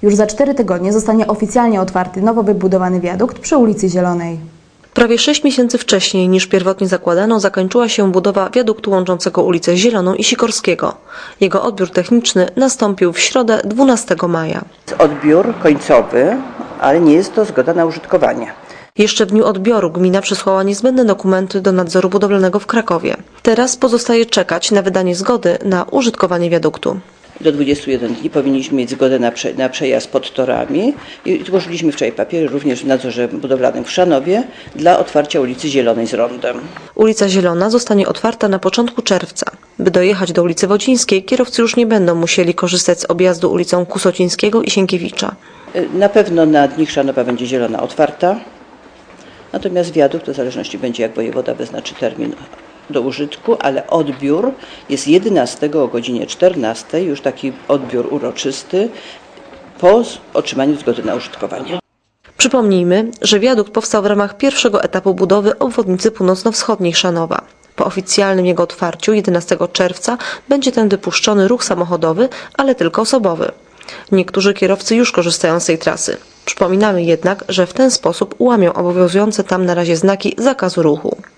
Już za 4 tygodnie zostanie oficjalnie otwarty nowo wybudowany wiadukt przy ulicy Zielonej. Prawie 6 miesięcy wcześniej niż pierwotnie zakładano zakończyła się budowa wiaduktu łączącego ulicę Zieloną i Sikorskiego. Jego odbiór techniczny nastąpił w środę 12 maja. Odbiór końcowy, ale nie jest to zgoda na użytkowanie. Jeszcze w dniu odbioru gmina przesłała niezbędne dokumenty do nadzoru budowlanego w Krakowie. Teraz pozostaje czekać na wydanie zgody na użytkowanie wiaduktu. Do 21 dni powinniśmy mieć zgodę na przejazd pod torami i złożyliśmy wczoraj papiery również w nadzorze budowlanym w Chrzanowie dla otwarcia ulicy Zielonej z rondem. Ulica Zielona zostanie otwarta na początku czerwca. By dojechać do ulicy Wodzińskiej, kierowcy już nie będą musieli korzystać z objazdu ulicą Kusocińskiego i Sienkiewicza. Na pewno na dni Chrzanowa będzie Zielona otwarta, natomiast wiadukt w zależności będzie, jak wojewoda wyznaczy termin do użytku, ale odbiór jest 11 o godzinie 14, już taki odbiór uroczysty po otrzymaniu zgody na użytkowanie. Przypomnijmy, że wiadukt powstał w ramach pierwszego etapu budowy obwodnicy północno-wschodniej Chrzanowa. Po oficjalnym jego otwarciu 11 czerwca będzie tędy puszczony ruch samochodowy, ale tylko osobowy. Niektórzy kierowcy już korzystają z tej trasy. Przypominamy jednak, że w ten sposób łamią obowiązujące tam na razie znaki zakazu ruchu.